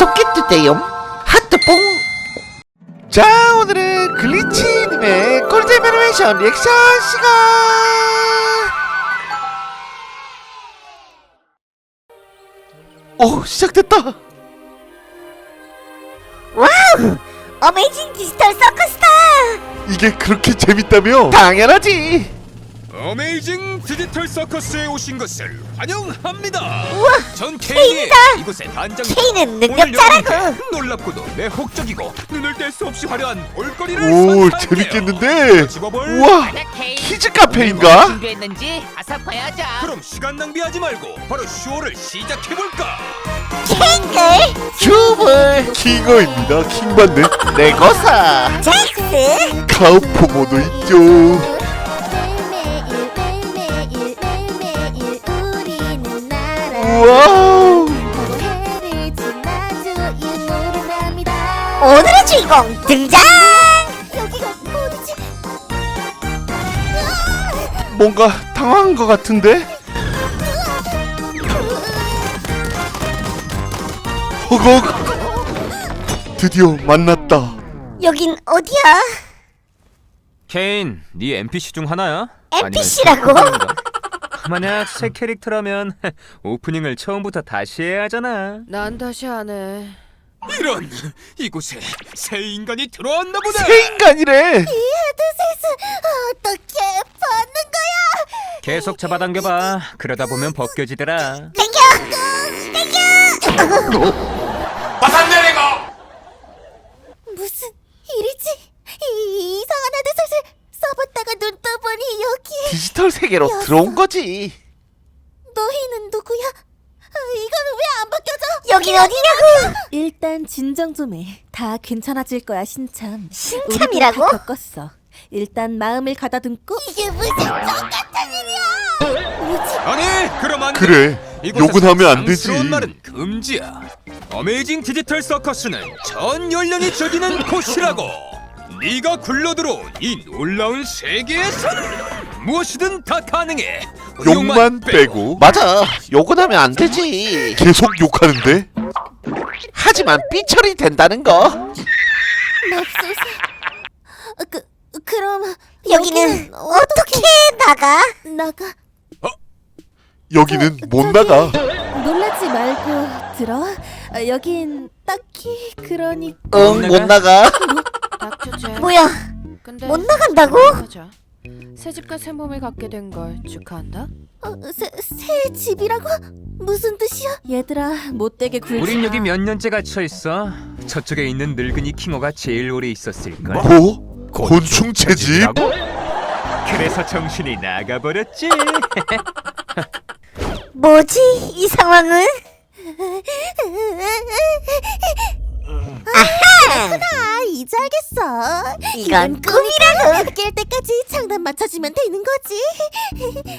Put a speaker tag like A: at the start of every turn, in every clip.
A: 구독해주세요. 하트뽕. 자, 오늘은 글리치님의 꿀잼 애니메이션 리액션 시간. 오, 시작됐다.
B: 와우! 어메이징 디지털 서커스다!
A: 이게 그렇게 재밌다며? 당연하지.
C: 어메이징 디지털 서커스에 오신 것을 환영합니다.
B: 우와!
C: 전 케인이
B: 케인이다!
C: 이곳의 단장.
B: 케인은 능력자라고!
C: 놀랍고도 매혹적이고 눈을 뗄 수 없이 화려한 볼거리를
A: 오,
C: 선사할게요.
A: 재밌겠는데?
C: 집어볼.
A: 우와,
D: 케인,
A: 키즈 카페인가?
D: 준비했는지 아사 봐야죠.
C: 그럼 시간 낭비하지 말고 바로 쇼를 시작해볼까?
B: 캥글!
A: 큐블 킹어입니다. 킹받네. 레고사
B: 잭스!
A: 카우포모도 있죠. 와우.
B: 오늘의 주인공 등장! 여기가 어디지?
A: 뭔가 당황한 것 같은데? 허걱. 드디어 만났다.
B: 여긴 어디야?
C: 케인, 네 NPC 중 하나야?
B: NPC라고?
C: 만약 새 캐릭터라면 오프닝을 처음부터 다시 해야 하잖아.
E: 난 다시 안 해.
C: 이런, 이곳에 새 인간이 들어왔나 보다.
A: 새 인간이래.
B: 헤드셋을 어떻게 벗는 거야?
C: 계속 잡아당겨봐. 그러다 보면 벗겨지더라.
B: 땡겨! 땡겨!
C: 화산 내리고.
B: 무슨 일이지? 이상한 헤드셋을 써봤다가 눈 떠보니 여기.
A: 디지털 세계로 들어온 거지.
B: 너희는 누구야? 이거는 왜 안 바뀌어져? 여긴 어디냐고?
F: 일단 진정 좀 해. 다 괜찮아질 거야, 신참.
B: 신참이라고?
F: 우리도 다 겪었어. 일단 마음을 가다듬고.
B: 이게 무슨 똑같은 일이야? 뭐지?
C: 아니, 그럼 안 돼.
A: 그래,
C: 이곳에서
A: 욕은 하면 안 되지.
C: 상스러운 말은 금지야. 어메이징 디지털 서커스는 전 연령이 즐기는 곳이라고. 네가 굴러들어온 이 놀라운 세계에서는 무엇이든 다 가능해.
A: 욕만 빼고. 맞아, 욕은 하면 안 되지. 계속 욕하는데? 하지만 삐처리 된다는 거.
B: 맙소사. 그럼 여기는 어떻게 나가?
A: 여기는 못 나가.
F: 놀라지 말고 들어. 여긴 딱히 그러니까.
A: 응, 못 나가.
E: 닥쳐줘.
B: 뭐야?
E: 근데
B: 못 나간다고?
E: 맞아. 새 집과 새 몸을 갖게 된 걸 축하한다.
B: 새 집이라고? 무슨 뜻이야?
F: 얘들아, 못되게 굴지
C: 우린
F: 마.
C: 여기 몇 년째 갇혀 있어. 저쪽에 있는 늙은이 킹어가 제일 오래 있었을 걸.
A: 뭐? 곤충 채집?
C: 그래서 정신이 나가버렸지.
B: 뭐지 이 상황은? 아하! 이제 알겠어. 이건 꿈이라고. 깰 때까지 장단 맞춰주면 되는 거지.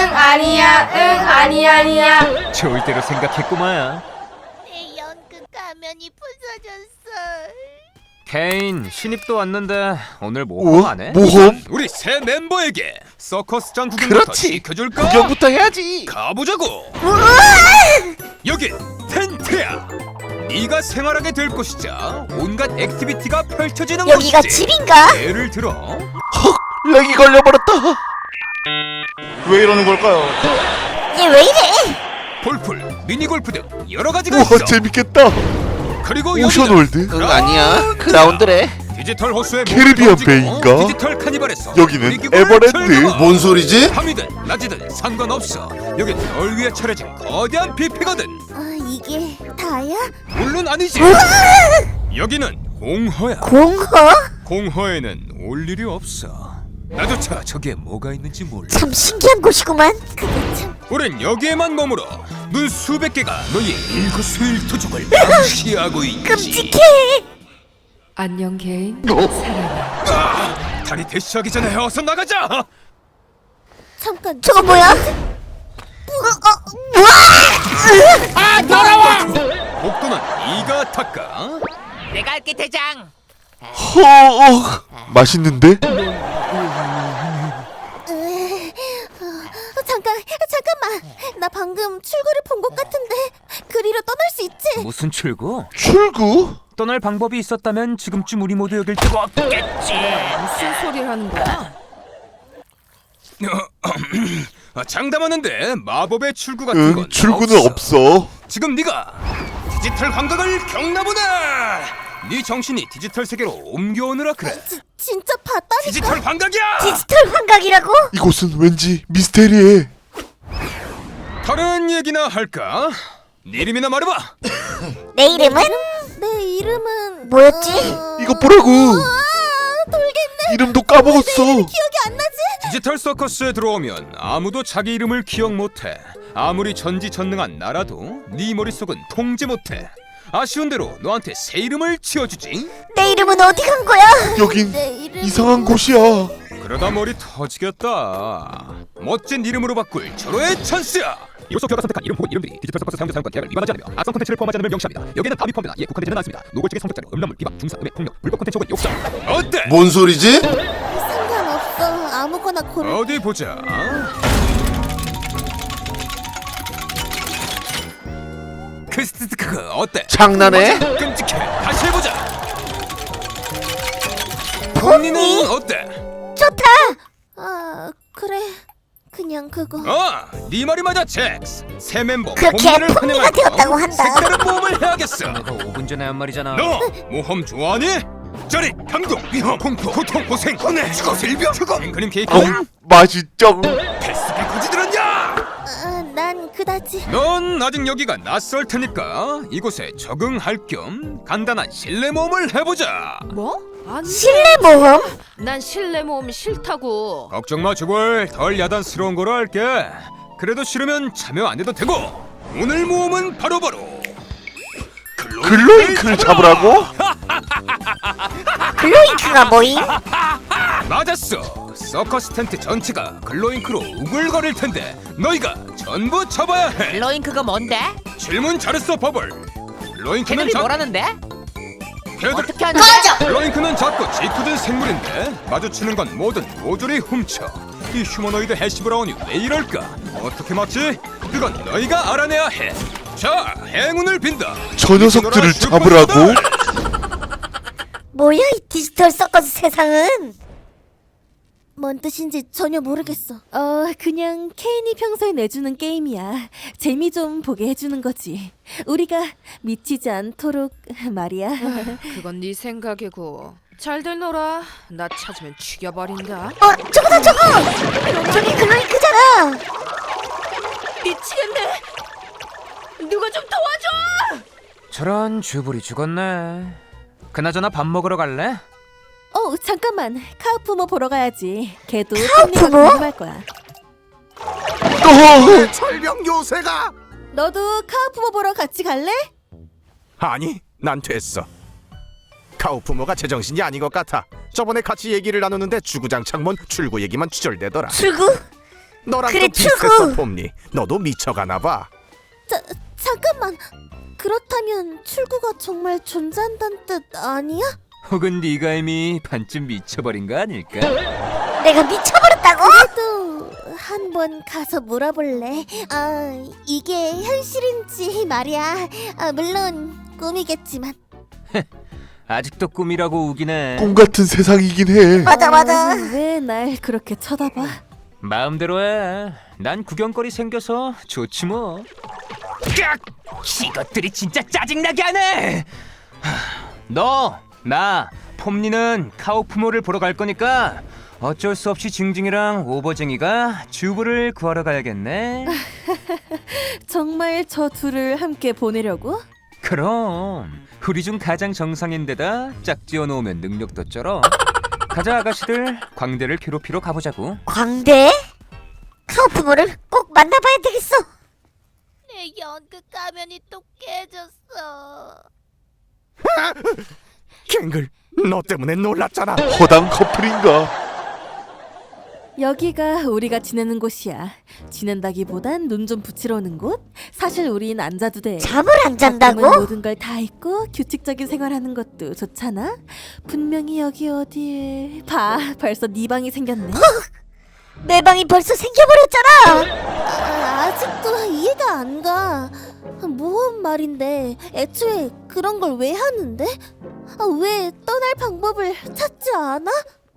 E: 아니야.
C: 좋을 대로 생각했구만.
B: 내 연극 가면이 부서졌어.
C: 케인, 신입도 왔는데 오늘
A: 오?
C: 모험 안 해?
A: 모험?
C: 우리 새 멤버에게 서커스장 구경부터
A: 그렇지.
C: 시켜줄까?
A: 구경부터 해야지.
C: 가보자고. 여긴 텐트야. 네가 생활하게 될 곳이자 온갖 액티비티가 펼쳐지는
B: 여기가
C: 곳이지.
B: 집인가?
C: 예를 들어
A: 헉, 렉이 걸려버렸다.
G: 왜 이러는 걸까요?
B: 얘 왜 이래?
C: 골프, 미니골프 등 여러 가지가
A: 우와,
C: 있어.
A: 재밌겠다.
C: 그리고
A: 오션월드?
C: 여기는
A: 응, 아니야. 그라운드래.
C: 디지털 호수의
A: 캐리비안
C: 몸을 던지고
A: 베이인가?
C: 디지털 카니발에서
A: 여기는
C: 놀이기구를
A: 에버랜드.
C: 즐겨.
G: 뭔 소리지?
C: 밤이든 낮이든 상관없어. 여긴 널 위해 차려진 거대한 뷔페거든.
B: 이게 다야?
C: 물론 아니지. 여기는 공허야.
B: 공허?
C: 공허에는 올 일이 없어. 나조차 저기에 뭐가 있는지 몰라.
B: 참 신기한 곳이구만. 그게 참.
C: 우린 여기에만 머물어 눈 수백 개가 너희의 일거수일투족을 감시하고 있지.
B: 끔찍해.
E: 안녕 개인.
C: 다리 대시하기 전에 어서 나가자.
B: 잠깐. 저거 뭐야?
C: 복도는 네가 닦아.
D: 내가 할게 대장.
A: 맛있는데?
B: 잠깐만. 나 방금 출구를 본 것 같은데 그리로 떠날 수 있지.
C: 무슨 출구?
A: 출구?
C: 떠날 방법이 있었다면 지금쯤 우리 모두 여길 때가 없겠지.
E: 무슨 소리를 하는 거야?
C: 장담하는데 마법의 출구 같은 건
A: 응, 출구는 없어.
C: 지금 네가 디지털 감각을 겪나보다. 네 정신이 디지털 세계로 옮겨오느라 그래.
B: 진짜 봤다니까.
C: 디지털 감각이야.
B: 디지털 환각이라고?
A: 이곳은 왠지 미스테리해.
C: 다른 얘기나 할까? 네 이름이나 말해봐.
B: 내 이름은? 내 이름은 뭐였지?
A: 이거 보라고.
B: 돌겠네.
A: 이름도 까먹었어.
B: 기억이 안 나지?
C: 디지털 서커스에 들어오면 아무도 자기 이름을 기억 못해. 아무리 전지전능한 나라도 네 머릿속은 통제 못해. 아쉬운 대로 너한테 새 이름을 지어주지.
B: 내 이름은 어디 간 거야?
A: 여긴
B: 내 이름은...
A: 이상한 곳이야.
C: 그러다 머리 터지겠다. 멋진 이름으로 바꿀 절호의 찬스야. 이로써 그가 선택한 이름 혹은 이름들이 디지털 서커스 사용자 사용권 계약을 위반하지 않으며 악성 콘텐츠를 포함하지 않음을 명시합니다. 여기에는 담이 포함되나 이에 국한되지는 않습니다. 노골적인 성적자료, 음란물, 비방, 중상, 음해, 폭력, 불법 콘텐츠 혹은 욕설. 어때?
G: 뭔 소리지?
B: 상관없어. 아무거나 고를.
C: 어디 보자. 크스트크 어때?
A: 장난해?
C: 끔찍해. 다시 해보자. 폼니는 어때?
B: 좋다. 아 그래. 그냥 그거.
C: 네 말이 맞아, 잭스. 새 멤버
B: 그렇게
C: 폼니를
B: 폼니가
C: 환영할
B: 되었다고
C: 겸
B: 한다.
C: 색다른 모험을 해야겠어.
H: 내가 5분 전에 한 말이잖아.
C: 너 모험 좋아하니? 저리 감동, 위험, 공포, 고통, 고생, 혼내, 죽어, 일병, 죽어. 앵크림 케이크.
A: 맛있죠.
C: 패스가 거지 들었냐?
B: 난 그다지.
C: 넌 아직 여기가 낯설 테니까 이곳에 적응할 겸 간단한 실내 모험을 해보자.
E: 뭐? 아니.
B: 실내 모험?
E: 난 실내 모험 싫다고.
C: 걱정 마, 죽을 덜 야단스러운 거로 할게. 그래도 싫으면 참여 안 해도 되고. 오늘 모험은 바로바로
A: 글로잉크를 잡으라고?
B: 글로잉크가 뭐임?
C: 맞았어. 서커스 텐트 전체가 글로잉크로 우글거릴 텐데 너희가 전부 잡아야 해.
D: 글로잉크가 뭔데?
C: 질문 잘했어, 버블. 글로잉크는
D: 걔들이 뭐라는데?
C: 걔들
D: 어떻게 하는데?
C: 글로잉크는 작고 짙어진 생물인데 마주치는 건 뭐든 모조리 훔쳐. 이 휴머노이드 해시 브라운이 왜 이럴까? 어떻게 맞지? 그건 너희가 알아내야 해. 자, 행운을 빈다.
A: 저 녀석들을 잡으라고?
B: 뭐야 이 디지털 서커스 세상은? 뭔 뜻인지 전혀 모르겠어.
F: 그냥 케인이 평소에 내주는 게임이야. 재미 좀 보게 해주는 거지. 우리가 미치지 않도록 말이야.
E: 그건 네 생각이고. 잘들 놀아. 나 찾으면 죽여버린다.
B: 저거다 저거! 저기 글로잉크잖아!
E: 미치겠네. 누가 좀 도와줘.
H: 저런 주불이 죽었네. 그나저나 밥 먹으러 갈래?
F: 잠깐만. 카우프모 보러 가야지. 걔도
B: 카우프모?
F: 궁금할 거야.
I: 철병 요새가.
F: 너도 카우프모 보러 같이 갈래?
I: 아니, 난 됐어. 카우프모가 제정신이 아닌 것 같아. 저번에 같이 얘기를 나누는데 주구장창 출구 얘기만 추절대더라.
B: 출구?
I: 너랑
B: 그래,
I: 좀 비슷했어,
B: 출구!
I: 폼니. 너도 미쳐가나 봐.
B: 잠깐만. 그렇다면 출구가 정말 존재한다는 뜻 아니야?
C: 혹은 네가 이미 반쯤 미쳐버린 거 아닐까?
B: 내가 미쳐버렸다고? 그래도 한번 가서 물어볼래. 이게 현실인지 말이야. 물론 꿈이겠지만.
H: 아직도 꿈이라고 우기네.
A: 꿈 같은 세상이긴 해.
B: 맞아.
F: 왜 날 그렇게 쳐다봐?
H: 마음대로 해. 난 구경거리 생겨서 좋지 뭐.
C: 이것들이 진짜 짜증나게 하네.
H: 너, 나, 폼니는 카우프모를 보러 갈 거니까 어쩔 수 없이 징징이랑 오버쟁이가 주부를 구하러 가야겠네.
F: 정말 저 둘을 함께 보내려고?
H: 그럼 우리 중 가장 정상인데다 짝지어 놓으면 능력도 쩔어. 가자 아가씨들, 광대를 괴롭히러 가보자고.
B: 광대? 카우프모를 꼭 만나봐야 되겠어. 내 연극 가면이 또 깨졌어.
I: 갱글, 너 때문에 놀랐잖아.
A: 허당 커플인가?
F: 여기가 우리가 지내는 곳이야. 지낸다기보단 눈 좀 붙이러 오는 곳? 사실 우린 안 자도 돼.
B: 잠을 안 잔다고?
F: 가끔은 모든 걸 다 잊고 규칙적인 생활하는 것도 좋잖아. 분명히 여기 어디에 봐, 벌써 네 방이 생겼네.
B: 내 방이 벌써 생겨버렸잖아. 아직도 이해가 안 가. 모험 말인데 애초에 그런 걸 왜 하는데? 왜 떠날 방법을 찾지 않아?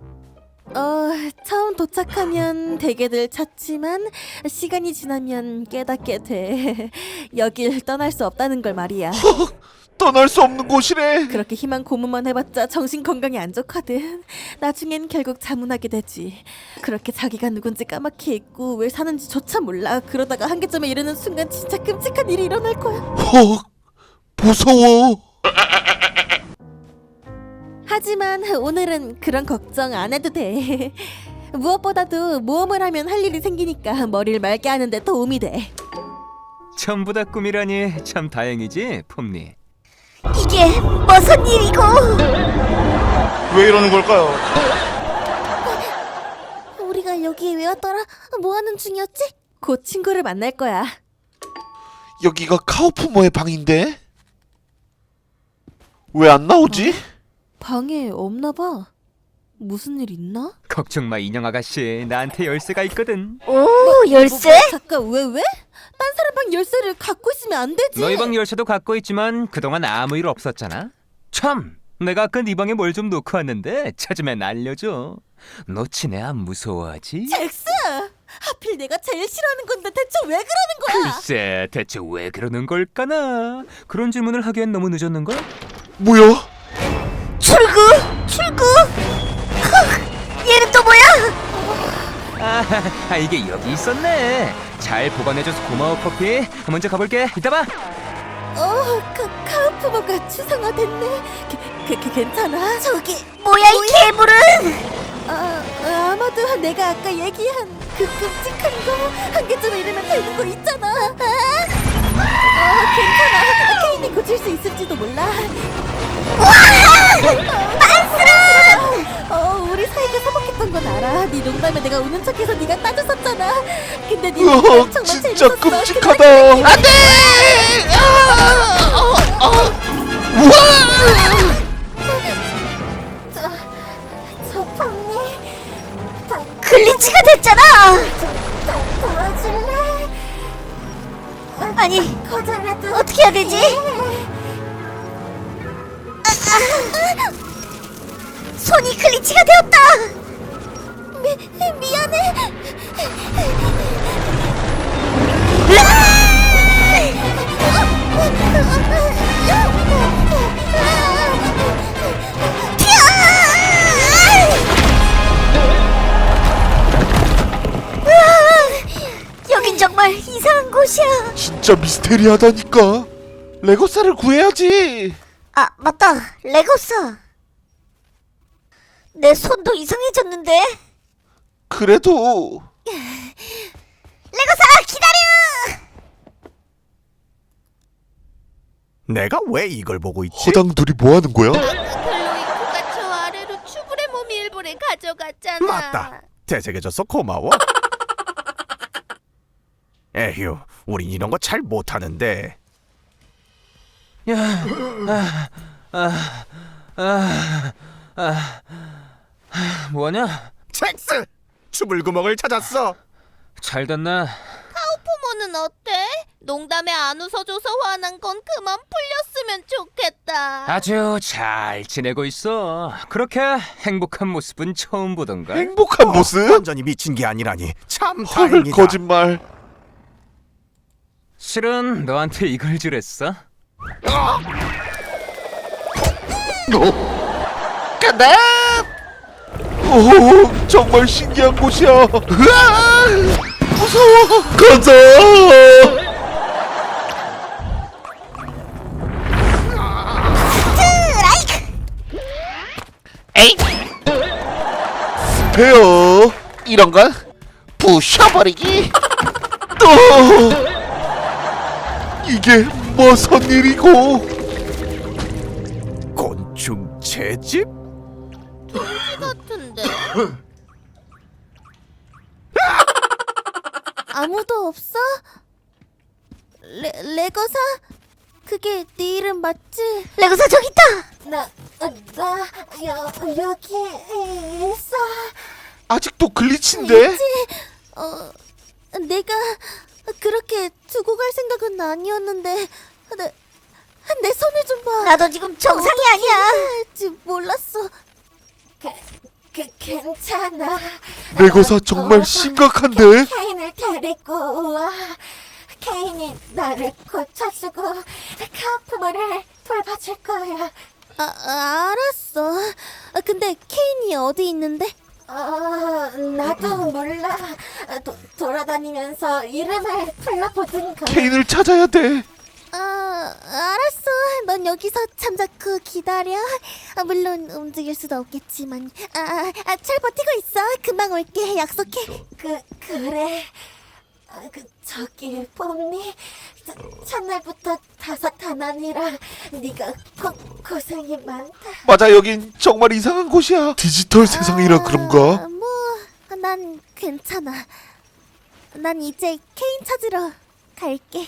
F: 처음 도착하면 대개들 찾지만 시간이 지나면 깨닫게 돼. 여길 떠날 수 없다는 걸 말이야.
A: 떠날 수 없는 곳이래.
F: 그렇게 희망 고문만 해봤자 정신 건강이 안 좋거든. 나중엔 결국 자문하게 되지. 그렇게 자기가 누군지 까맣게 잊고 왜 사는지조차 몰라. 그러다가 한계점에 이르는 순간 진짜 끔찍한 일이 일어날 거야.
A: 무서워.
F: 하지만 오늘은 그런 걱정 안 해도 돼. 무엇보다도 모험을 하면 할 일이 생기니까 머리를 맑게 하는 데 도움이 돼.
H: 전부 다 꿈이라니 참 다행이지, 폼니.
B: 이게 무슨 일이고?
G: 왜 이러는 걸까요?
B: 우리가 여기에 왜 왔더라? 뭐 하는 중이었지?
F: 곧 친구를 만날 거야.
A: 여기가 카우프모의 방인데? 왜 안 나오지?
F: 방에 없나 봐. 무슨 일 있나?
H: 걱정 마, 인형 아가씨. 나한테 열쇠가 있거든.
B: 오, 열쇠?
F: 잠깐 왜? 딴 사람 방 열쇠를 갖고 있으면 안 되지.
H: 너희 방 열쇠도 갖고 있지만 그동안 아무 일 없었잖아. 참, 내가 아까 네 방에 뭘 좀 놓고 왔는데 찾으면 알려줘. 놓치네 안 무서워하지?
F: 잭스! 하필 내가 제일 싫어하는 건데 대체 왜 그러는 거야?
H: 글쎄, 대체 왜 그러는 걸까나? 그런 질문을 하기엔 너무 늦었는걸?
A: 뭐야?
B: 출구! 얘는 또 뭐야?
H: 이게 여기 있었네. 잘 보관해줘서 고마워, 커피. 먼저 가볼게. 이따 봐.
F: 카우프모가 추상화됐네. 괜찮아?
B: 저기 뭐야 이 괴물은?
F: 아마도 내가 아까 얘기한 그 끔찍한 거 한계점에 이르면 되는 거 있잖아. 괜찮아. 케인이 고칠 수 있을지도 몰라. 우리 사이가 서먹했던 건 알아. 네 농담에 내가 우는 척해서 네가 따졌었잖아. 근데 네 농담 정말
A: 진짜
F: 재밌었어.
A: 끔찍하다. 안돼!
B: 저 폰이 글리치가 됐잖아. 도와줄래? 아니 어떻게 해야 되지? 손이 글리치가 되었다. 미안해. 여긴 정말 이상한 곳이야.
A: 진짜 미스테리하다니까. 레고사를 구해야지.
B: 아 맞다, 레고사. 내 손도 이상해졌는데.
A: 그래도
B: 레고사 기다려.
I: 내가 왜 이걸 보고 있지?
A: 허당둘이 뭐 하는 거야?
B: 클로이크가 저 아래로 추불의 몸이 일부를 가져갔잖아.
I: 맞다. 되새겨줘서 고마워. 에휴, 우린 이런 거 잘 못하는데.
H: 뭐하냐?
I: 잭스! 추불구멍을 찾았어.
H: 잘 됐나?
B: 부모는 어때? 농담에 안 웃어줘서 화난 건 그만 풀렸으면 좋겠다.
H: 아주 잘 지내고 있어. 그렇게 행복한 모습은 처음 보던가.
A: 행복한 모습?
I: 완전히 미친 게 아니라니 참
A: 헐,
I: 다행이다.
A: 거짓말.
H: 실은 너한테 이걸 주랬어.
A: 간다. 오, 정말 신기한 곳이야. 으아! 무서워. 가자. 에이. 배어. 이런 건 부셔버리기. 또. 이게 무슨 일이고?
I: 곤충 채집?
B: 같은데. 아무도 없어? 레고사? 그게 네 이름 맞지? 레고사 저기 있다. 나 여기 있어.
A: 아직도 글리치인데?
B: 내가 그렇게 두고 갈 생각은 아니었는데 내 손을 좀 봐. 나도 지금 정상이 아니야. 할지 몰랐어. 괜찮아.
A: 레고사 정말 심각한데?
B: 케인을 데리고 와. 케인이 나를 고쳐주고 카프모를 돌봐줄 거야. 알았어. 근데 케인이 어디 있는데? 나도 몰라. 돌아다니면서 이름을 불러보든가.
A: 케인을 찾아야 돼.
B: 알았어. 넌 여기서 잠자코 기다려. 물론 움직일 수도 없겠지만. 잘 버티고 있어. 금방 올게. 약속해. 그래. 저기 봄니 첫날부터 다사다난이라 네가 고생이 많다.
A: 맞아, 여긴 정말 이상한 곳이야. 디지털 세상이라 그런가?
B: 난 괜찮아. 난 이제 케인 찾으러 갈게.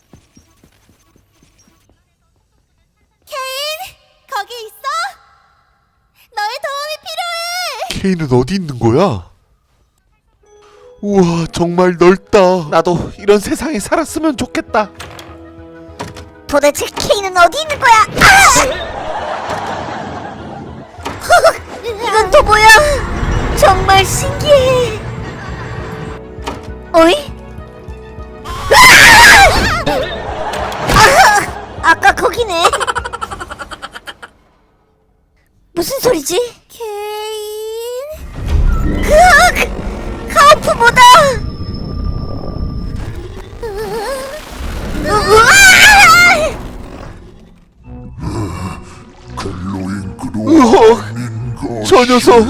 B: 케인, 거기 있어? 너의 도움이 필요해.
A: 케인은 어디 있는 거야? 우와, 정말 넓다. 나도 이런 세상에 살았으면 좋겠다.
B: 도대체 케인은 어디 있는 거야? 이건 또 뭐야? 정말 신기해. 어이? 아까 거기네. 무슨 소리지? 케인. 카우프보다.
A: 으헉, 저 녀석.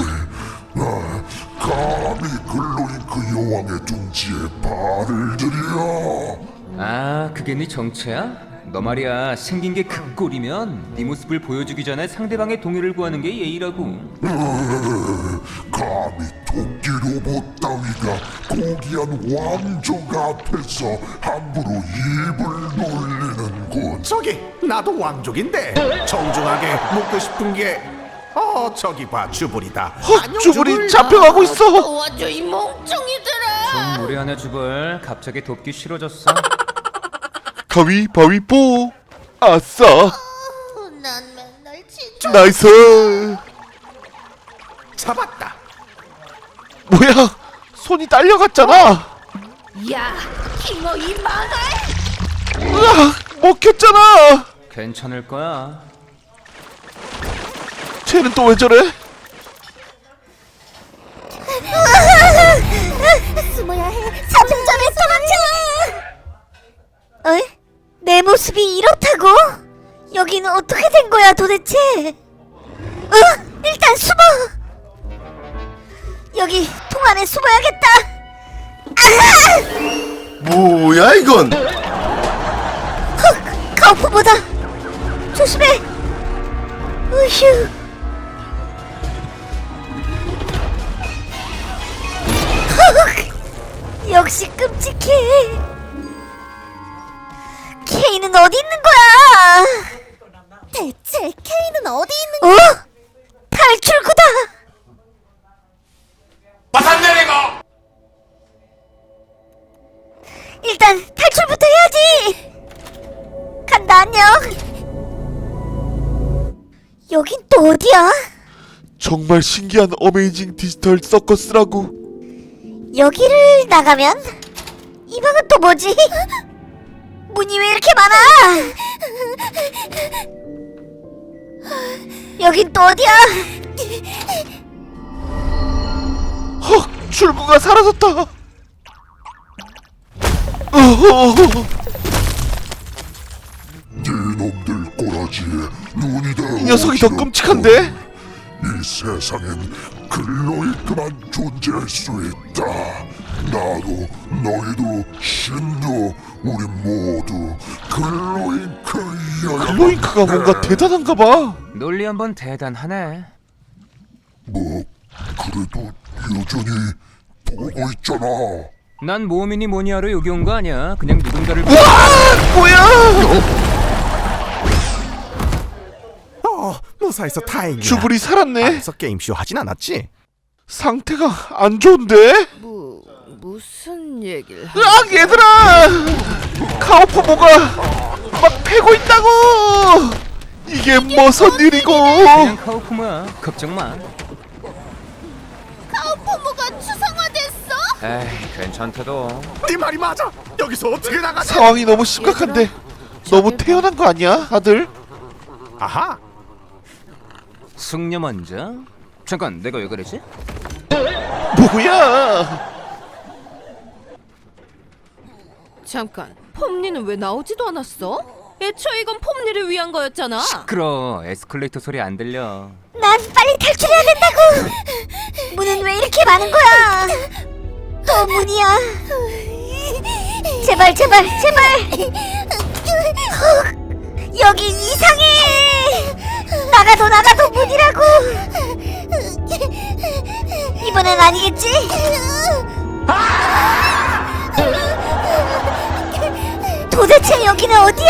J: 감히 글로잉크 여왕의 둥지에 발을 들여.
H: 아, 그게 네 정체야? 너 말이야, 생긴 게 그 꼴이면 네 모습을 보여주기 전에 상대방의 동의를 구하는 게 예의라고.
J: 감히 토끼 로봇 따위가 고귀한 왕족 앞에서 함부로 입을 놀리는군.
I: 저기 나도 왕족인데 정중하게 묻고 싶은 게 저기 봐, 주불이다.
A: 헉, 주불이 잡혀가고 있어.
E: 도와줘 이 멍청이들아.
H: 좀 무례하네 주벌. 갑자기 돕기 싫어졌어.
A: 가위바위보. 아싸.
B: 난 맨날 진짜.
A: 나이스.
I: 잡았다.
A: 뭐야, 손이 딸려갔잖아.
E: 야, 킹어 이 망할.
A: 으악, 먹혔잖아.
H: 괜찮을 거야.
A: 쟤는 또 왜 저래?
B: 숨어야 해. 잡음 전에 도망쳐. 어이? 내 모습이 이렇다고? 여기는 어떻게 된 거야 도대체? 일단 숨어. 여기 통 안에 숨어야겠다.
J: 뭐야 이건?
B: 카우프보다 조심해. 으휴. 역시 끔찍해. 케인은 어디 있는 거야? 대체 케인은 어디 있는 거야? 탈출구다.
G: 마산 내리고.
B: 일단 탈출부터 해야지. 간다, 안녕. 여긴 또 어디야?
A: 정말 신기한 어메이징 디지털 서커스라고.
B: 여기를 나가면? 이 방은 또 뭐지? 문이 왜 이렇게 많아? 여긴 또 어디야?
A: 헉, 출구가 사라졌다. 어허.
J: 네놈들 꼬라지에 눈이 다
A: 이 녀석이 더 끔찍한데?
J: 이 세상엔 글로잉크만 존재할 수 있다. 나도 너희도 신도 우리 모두 글로잉크여야.
A: 글로잉크가 뭔가 대단한가 봐.
H: 논리 한번 대단하네.
J: 뭐 그래도 여전히 보고 있잖아.
H: 난 모험이니 뭐니 하러 여기 온 거 아니야. 그냥 누군가를
A: 뭐야?
I: 무사해서 다행이야.
A: 주불이 살았네.
I: 안에서 게임쇼 하진 않았지?
A: 상태가 안 좋은데?
E: 무슨 얘기를
A: 으악 얘들아! 카오프모가 막 패고 있다고! 이게 무슨 일이고?
H: 그냥 카오프모야. 걱정 마.
B: 카오포모가 추상화됐어?
H: 에이, 괜찮대도.
I: 네 말이 맞아. 여기서 어떻게 나가지?
A: 상황이 너무 심각한데 너무 태연한 거 아니야, 아들?
I: 아하.
H: 숙녀 먼저. 잠깐, 내가 왜 그러지?
A: 뭐야?
E: 잠깐, 폼니는 왜 나오지도 않았어? 애초에 이건 폼니를 위한 거였잖아.
H: 시끄러. 에스컬레이터 소리 안 들려.
B: 난 빨리 탈출해야 된다고! 문은 왜 이렇게 많은 거야? 또 문이야. 제발 제발 제발! 여기 이상해! 나가도 문이라고! 이번엔 아니겠지? 도대체 여기는 어디야?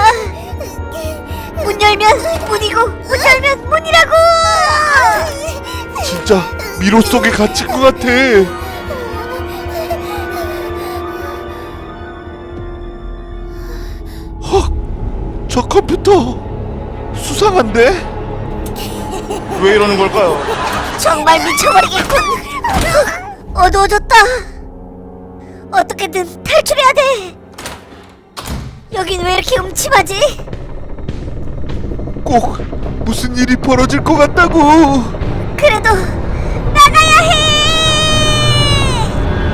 B: 문 열면 문이고 문 열면 문이라고!
A: 진짜 미로 속에 갇힌 것 같아. 헉, 저 컴퓨터 수상한데?
G: 왜 이러는 걸까요?
B: 정말 미쳐버리겠군. 어두워졌다. 어떻게든 탈출해야 돼. 여긴 왜 이렇게 음침하지?
A: 꼭 무슨 일이 벌어질 것 같다고.
B: 그래도 나가야 해.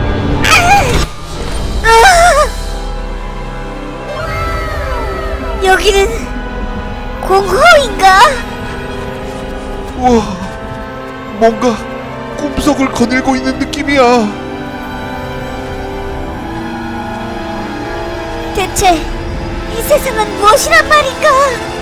B: 여기는 공허인가?
A: 우와, 뭔가 꿈속을 거닐고 있는 느낌이야.
B: 대체 이 세상은 무엇이란 말인가?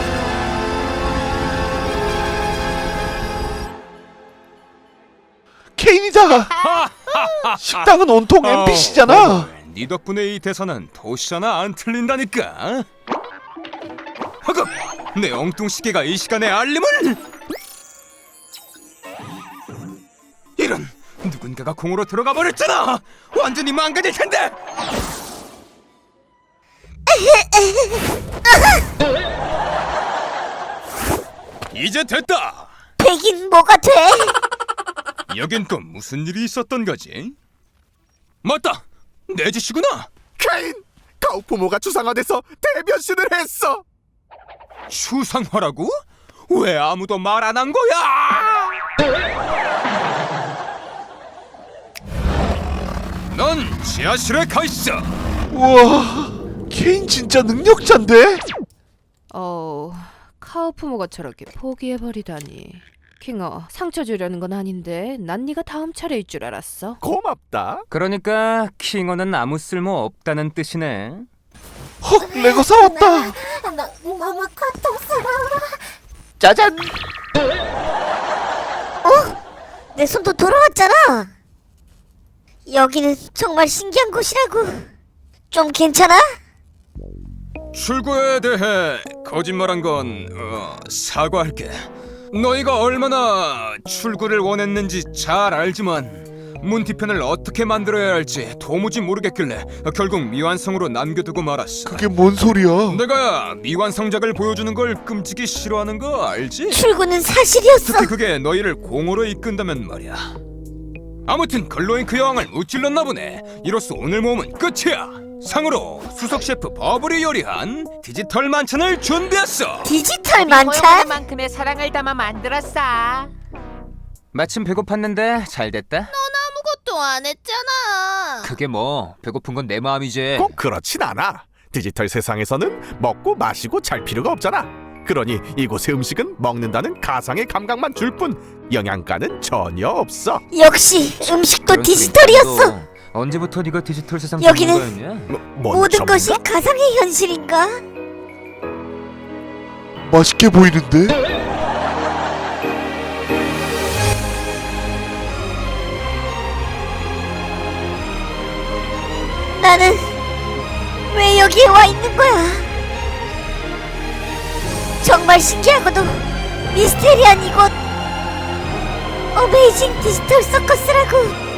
A: 케인이다. 식당은 온통 NPC잖아.
C: 네 덕분에 이 대사는 도시잖아 안 틀린다니까. 허급! 내 엉뚱시계가 이 시간에 알림을! 이런! 누군가가 공으로 들어가 버렸잖아! 완전히 망가질 텐데! 이제 됐다!
B: 백인 뭐가 돼?
C: 여긴 또 무슨 일이 있었던 거지? 맞다! 내 짓이구나!
I: 케인! 카오프모가 추상화돼서 대변신을 했어.
C: 추상화라고? 왜 아무도 말 안 한 거야? 넌 지하실에 가 있어.
A: 우와, 케인 진짜 능력자인데?
E: 카오프모가 저렇게 포기해버리다니. 킹어, 상처 주려는 건 아닌데 난 네가 다음 차례일 줄 알았어.
I: 고맙다.
H: 그러니까 킹어는 아무 쓸모 없다는 뜻이네.
A: 헉, 레고 사왔다.
B: 너무 고통스러워.
A: 짜잔.
B: 내 손도 돌아왔잖아. 여기는 정말 신기한 곳이라고. 좀 괜찮아?
C: 출구에 대해 거짓말한 건 사과할게. 너희가 얼마나 출구를 원했는지 잘 알지만 문 뒤편을 어떻게 만들어야 할지 도무지 모르겠길래 결국 미완성으로 남겨두고 말았어.
A: 그게 뭔 소리야?
C: 내가 미완성작을 보여주는 걸 끔찍이 싫어하는 거 알지?
B: 출구는 사실이었어.
C: 특히 그게 너희를 공으로 이끈다면 말이야. 아무튼 글로잉크 여왕을 무찔렀나 보네. 이로써 오늘 모험은 끝이야. 상으로 수석 셰프 버블이 요리한 디지털 만찬을 준비했어.
B: 디지털 만찬?
D: 만큼의 사랑을 담아 만들었어.
H: 마침 배고팠는데 잘 됐다.
B: 아무것도 안 했잖아.
H: 그게 뭐 배고픈 건 내 마음이지.
I: 꼭 그렇진 않아. 디지털 세상에서는 먹고 마시고 잘 필요가 없잖아. 그러니 이곳의 음식은 먹는다는 가상의 감각만 줄 뿐 영양가는 전혀 없어.
B: 역시 음식도
H: 그런
B: 디지털이었어.
H: 소리인데도 언제부터 네가 디지털 세상
B: 여기는
H: 전문가였냐?
I: 뭔
B: 모든
I: 전문가?
B: 것이 가상의 현실인가?
A: 맛있게 보이는데?
B: 나는 왜 여기에 와 있는 거야? 정말 신기하고도 미스테리한 이곳. 어메이징 디지털 서커스라고.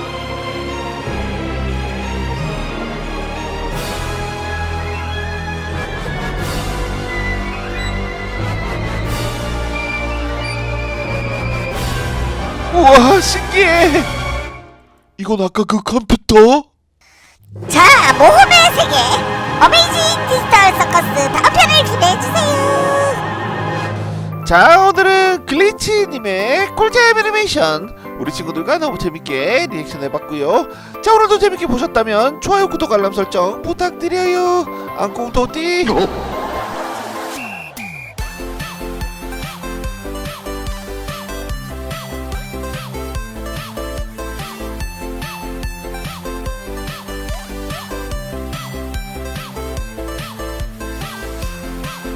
A: 우와 신기해. 이건 아까 그 컴퓨터?
B: 자, 모험의 세계 어메이징 디지털 서커스 다음 편을 기대해주세요.
A: 자 오늘은 글리치님의 꿀잼 애니메이션 우리 친구들과 너무 재밌게 리액션 해봤고요. 자 오늘도 재밌게 보셨다면 좋아요 구독 알람 설정 부탁드려요. 안녕 도띠.